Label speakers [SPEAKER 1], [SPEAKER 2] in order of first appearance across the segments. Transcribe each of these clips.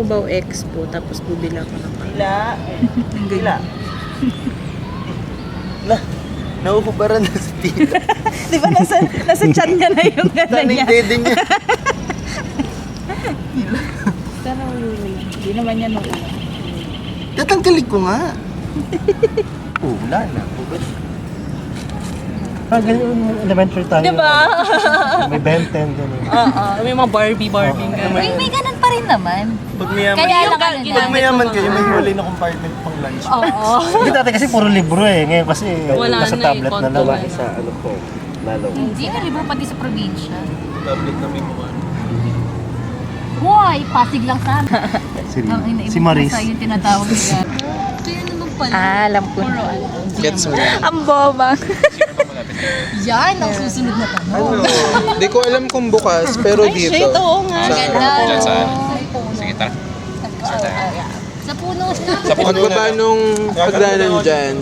[SPEAKER 1] Cubao Expo, tapos bubila ko ng
[SPEAKER 2] Hila. Nauhubaran na sa tita.
[SPEAKER 1] Di ba nasa chan niya na yung gano'n niya?
[SPEAKER 2] Dede niya.
[SPEAKER 1] Sana ulit. Hindi naman yan ulit.
[SPEAKER 2] Tatanggalin ko nga. Wala na.
[SPEAKER 3] Ganyan elementary tayo.
[SPEAKER 1] Diba?
[SPEAKER 3] May Ben 10 gano'n.
[SPEAKER 1] May mga Barbie gano'n.
[SPEAKER 4] May ganun pa rin naman.
[SPEAKER 2] Pag mayaman,
[SPEAKER 4] Kaya lang ano na.
[SPEAKER 2] pag mayaman kayo, may huli na compartment pang lunch.
[SPEAKER 4] Oo.
[SPEAKER 3] Hindi dati kasi puro libro eh. Ngayon kasi
[SPEAKER 1] Wala
[SPEAKER 3] nasa
[SPEAKER 1] na
[SPEAKER 3] tablet
[SPEAKER 1] eh,
[SPEAKER 3] na lang.
[SPEAKER 1] konto
[SPEAKER 2] Sa ano po, lalo.
[SPEAKER 4] Hindi na libo pati sa probinsya.
[SPEAKER 2] Tablet na may mga
[SPEAKER 4] Hoy, Pasig lang sana.
[SPEAKER 3] Si Maris.
[SPEAKER 4] Yung tinatawag niya. Kaya naman pala.
[SPEAKER 1] Alam ko.
[SPEAKER 2] gets mo.
[SPEAKER 1] Ang boba.
[SPEAKER 4] Yan ang susunod na tanong.
[SPEAKER 2] Ano? Di ko alam kung bukas, pero dito.
[SPEAKER 1] Shit, oo nga.
[SPEAKER 4] Ganda.
[SPEAKER 5] Diyan saan? Sige, tara.
[SPEAKER 4] Sa puno.
[SPEAKER 5] Sa puno
[SPEAKER 2] Pagbaba nung pagdanan dyan.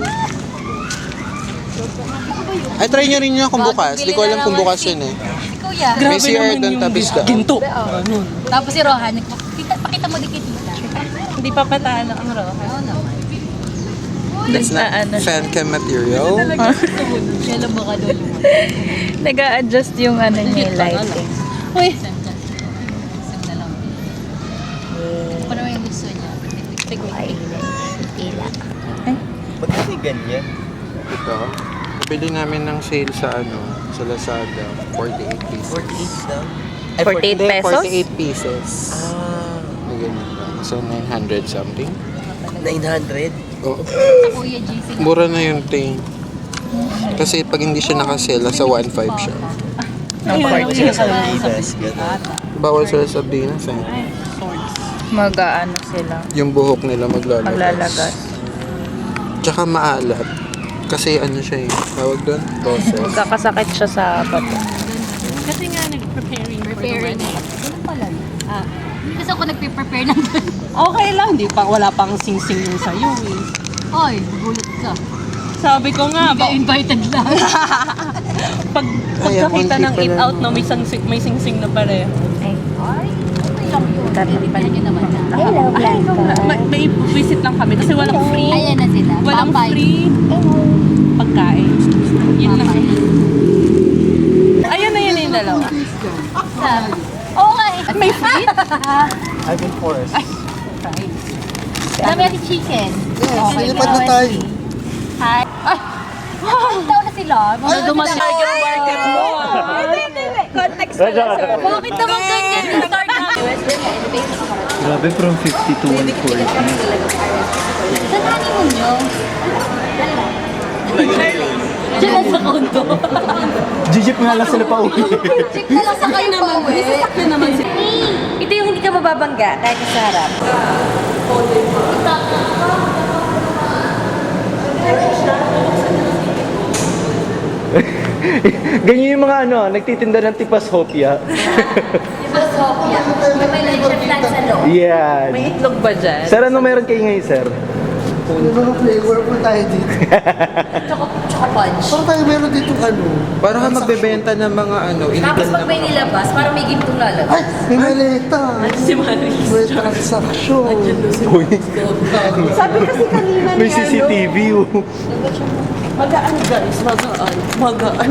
[SPEAKER 2] Ay, try nyo rin yun kung bukas. Di ko alam kung bukas yun eh.
[SPEAKER 4] Kuya.
[SPEAKER 2] May CR doon tapos doon.
[SPEAKER 1] Ginto.
[SPEAKER 4] Tapos si Rohan, pakita mo di kay tita.
[SPEAKER 1] Hindi pa patalo ang roha.
[SPEAKER 4] Oo naman.
[SPEAKER 2] That's not fan cam material.
[SPEAKER 4] Kaya lang baka doon.
[SPEAKER 1] Nag-a-adjust yung ano niya, lighting. Uy!
[SPEAKER 4] Isang na lang. Ano naman yung gusto niya?
[SPEAKER 1] Ila.
[SPEAKER 2] Ba't kasi ganyan? Ito. Bili namin ng sale sa sa Lazada. 48 pieces.
[SPEAKER 5] 48 daw?
[SPEAKER 1] 48 pesos?
[SPEAKER 2] 48 pieces. May ganyan lang. So, 900 something.
[SPEAKER 5] 900?
[SPEAKER 2] Oh.
[SPEAKER 4] Kuya JC.
[SPEAKER 2] Mura na yung thing. Kasi pag hindi siya nakasela, sa 1.5 siya.
[SPEAKER 5] Sila sa Lives.
[SPEAKER 2] Bawal sila sa Sardinas eh.
[SPEAKER 1] Mag-ano sila.
[SPEAKER 2] Yung buhok nila maglalagas.
[SPEAKER 1] Maglalagas.
[SPEAKER 2] Tsaka maalat. Kasi ano siya eh. Tawag doon? Process.
[SPEAKER 1] Magkakasakit siya sa bato.
[SPEAKER 6] Kasi nga nag-preparing for the
[SPEAKER 4] Preparing.
[SPEAKER 6] wedding.
[SPEAKER 4] Ganun pala. Hindi kasi ako nagpe-prepare ng ganun.
[SPEAKER 6] Okay lang, wala pang sing-sing yung sa'yo eh.
[SPEAKER 4] Oy, gulat ka.
[SPEAKER 6] Sabi ko nga,
[SPEAKER 4] Hindi invited lang.
[SPEAKER 6] pagkakita ng
[SPEAKER 2] munti
[SPEAKER 6] eat
[SPEAKER 2] pa
[SPEAKER 6] out, no, may sing-sing na pareho.
[SPEAKER 1] Ay,
[SPEAKER 4] Ay, okay lang yun. Bibigyan niyo naman na.
[SPEAKER 6] May visit lang kami kasi walang free.
[SPEAKER 4] Ayan na sila.
[SPEAKER 6] Walang
[SPEAKER 4] Papay.
[SPEAKER 6] free pagkain. Yun lang. Ayan na yun yung dalawa.
[SPEAKER 4] Oo nga eh.
[SPEAKER 6] May free?
[SPEAKER 3] I've been forced.
[SPEAKER 4] Dami natin chicken.
[SPEAKER 2] Lipad na tayo.
[SPEAKER 4] Hi. Ay! Daw na sila. Mga
[SPEAKER 6] Dumating yung market mo.
[SPEAKER 1] context pala, sir.
[SPEAKER 4] Bakit naman ganyan yung start namin?
[SPEAKER 3] Grabe, from 50 to 140.
[SPEAKER 4] Saan honeymoon nyo? Diyan sa kondo.
[SPEAKER 3] Gigip nga lang sila pa uwi.
[SPEAKER 4] Check na lang sa kayo naman.
[SPEAKER 6] Sasakyan naman si...
[SPEAKER 1] Ito yung hindi ka mababangga kahit sa harap.
[SPEAKER 3] Ganyan yung mga nagtitinda ng tipas hopia.
[SPEAKER 4] Diba, Sophia? May luncheon plan sa loob.
[SPEAKER 3] Yan.
[SPEAKER 1] May itlog ba dyan?
[SPEAKER 3] Sir, ano meron kayo ngayon, sir?
[SPEAKER 2] Ano mga flavor po tayo dito?
[SPEAKER 4] Tsaka punch.
[SPEAKER 2] Parang tayo meron dito Para ka magbebenta ng mga
[SPEAKER 4] Tapos pag may nilabas, parang may gintong lalabas.
[SPEAKER 2] Ay! May maleta!
[SPEAKER 6] Si Maris.
[SPEAKER 2] May transaction!
[SPEAKER 3] Uy,
[SPEAKER 6] Sabi kasi kanina
[SPEAKER 3] may CCTV.
[SPEAKER 6] Magaan guys, magaan.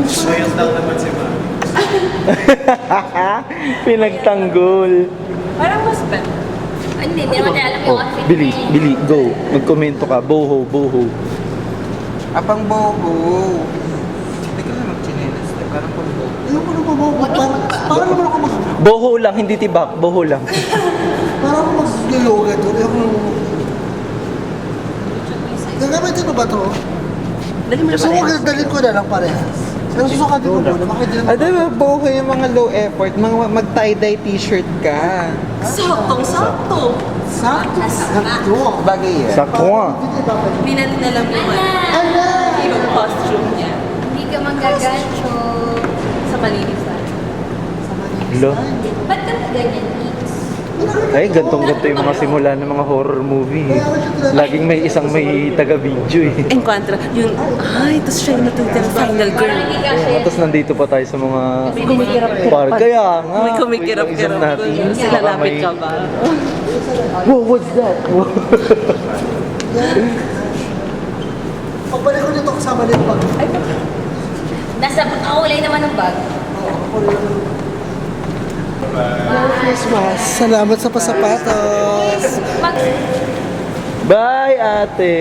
[SPEAKER 3] Pinagtanggol.
[SPEAKER 6] Parang mas bet.
[SPEAKER 4] Hindi naman tayo alam yung outfit.
[SPEAKER 3] Bili, go. Magkomento ka. Boho, boho.
[SPEAKER 2] Apang boho. Hindi ka na mag-chinelas. Parang pang boho. Ayoko na maboho. Parang naman ako mag...
[SPEAKER 3] Boho lang, hindi tibak. Boho lang.
[SPEAKER 2] Parang ako mag-yoga doon. Ayoko na Gagamitin ko ba ito? So, dalhin ko na lang parehas. Pero susukatin ko muna. Bakit din naman? Ano, boho yung mga low effort. Mag-tie-dye t-shirt ka.
[SPEAKER 6] Saktong-sakto.
[SPEAKER 2] Sakto. Bagay yan.
[SPEAKER 3] Sakwa.
[SPEAKER 6] Hindi natin alam yung costume niya.
[SPEAKER 4] Hindi ka manggagancho.
[SPEAKER 6] Sa malinis na.
[SPEAKER 3] Lo.
[SPEAKER 4] Ba't ka ganyan, Mix?
[SPEAKER 2] Pinakita
[SPEAKER 3] Ay, gantong-ganto yung mga simula ng mga horror movie. Laging may isang may taga-video eh.
[SPEAKER 6] Encuentra, yung, tapos siya yung natutira final girl.
[SPEAKER 3] Tapos nandito pa tayo sa mga kaya nga.
[SPEAKER 6] May kumikirap-kirap
[SPEAKER 3] natin.
[SPEAKER 6] doon.
[SPEAKER 3] Baka
[SPEAKER 6] Silalapit
[SPEAKER 3] may-
[SPEAKER 6] ka ba?
[SPEAKER 3] Whoa, what's that?
[SPEAKER 2] Pagbalik ko dito kasama din pag...
[SPEAKER 4] Nasa kaulay naman ng bag.
[SPEAKER 2] Christmas. Salamat sa pasapatos.
[SPEAKER 3] Bye, ate!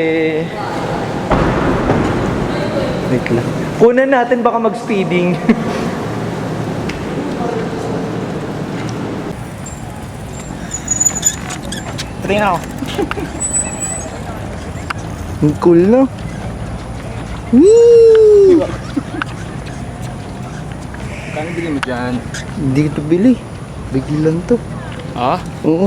[SPEAKER 3] Wait lang. Kunan natin baka mag-speeding.
[SPEAKER 5] Try na ako.
[SPEAKER 3] Ang cool, no? Whee!
[SPEAKER 5] Kano bili mo dyan?
[SPEAKER 3] Hindi ko to bili. Bigilan to.
[SPEAKER 5] Ah?
[SPEAKER 3] Oo.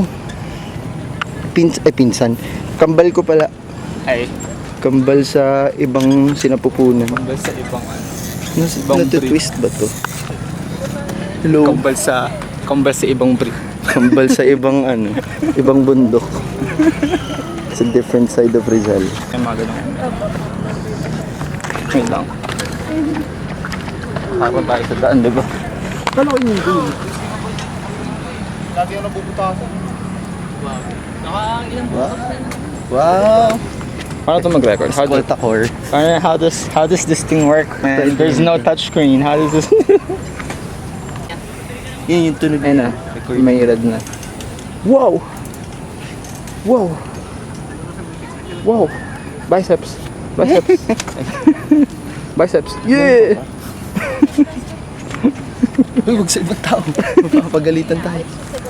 [SPEAKER 3] Pinsan. Kambal ko pala.
[SPEAKER 5] Ay,
[SPEAKER 3] Kambal sa ibang sinapupunan.
[SPEAKER 5] kambal sa ibang Ibang
[SPEAKER 3] Natutwist ba to? Hello?
[SPEAKER 5] kambal sa ibang brick.
[SPEAKER 3] Kambal sa ibang ibang bundok. It's a different side of Rizal.
[SPEAKER 5] Ay, mga ganun. Wait lang. Habang tayo sa daan, diba?
[SPEAKER 3] Kala ko yung goal.
[SPEAKER 5] Lagi ako nabubutasan.
[SPEAKER 3] Wow!
[SPEAKER 5] Paano ito mag-record?
[SPEAKER 3] Skoltakor.
[SPEAKER 5] How does this thing work, man? There's no touchscreen. How does this...
[SPEAKER 3] Yun yung tunog
[SPEAKER 5] Ayun na. May red na.
[SPEAKER 3] Wow! Wow! Wow! Biceps! Biceps! Biceps! Yeah!
[SPEAKER 2] Uy, huwag sa ibang tao. Mapapagalitan tayo.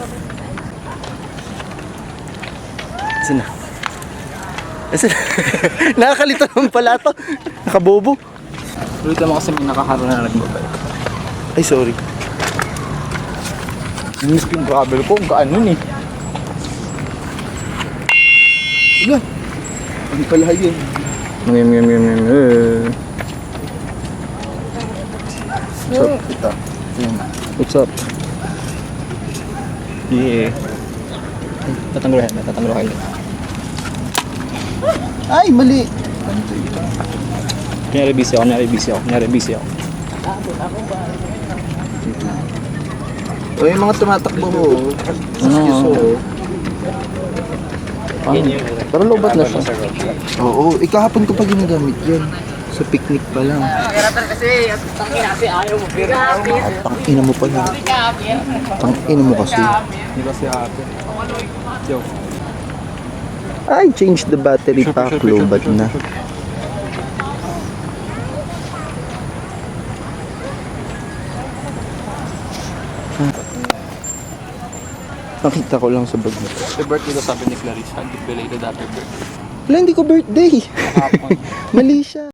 [SPEAKER 3] Saan na? Saan na? Nakakalito naman pala to. Nakabobo.
[SPEAKER 5] Ulit naman kasi may nakaharo na nagbabay.
[SPEAKER 3] Ay, sorry.
[SPEAKER 5] Yung spin travel ko, gaan nun eh.
[SPEAKER 3] Wala. Ano pala yun? What's up? Ito. What's up?
[SPEAKER 5] Yeah. Tatanggulan kayo.
[SPEAKER 3] Ay, mali!
[SPEAKER 5] Kunyari busy ako.
[SPEAKER 3] O, yung mga tumatakbo ko. Excuse ko.
[SPEAKER 5] Pero lobat na siya.
[SPEAKER 3] Oo, ikahapon ko pa ginagamit yan. Sa picnic pa lang. Tangina mo pala. Tangina mo kasi.
[SPEAKER 5] Di ba si ate? Yo.
[SPEAKER 3] Ay, change the battery pack. Lobat na. Nakita ko lang sa bag mo.
[SPEAKER 5] Happy birthday daw sabi ni Clarice. Happy belated happy birthday.
[SPEAKER 3] Wala, hindi ko birthday. Mali siya.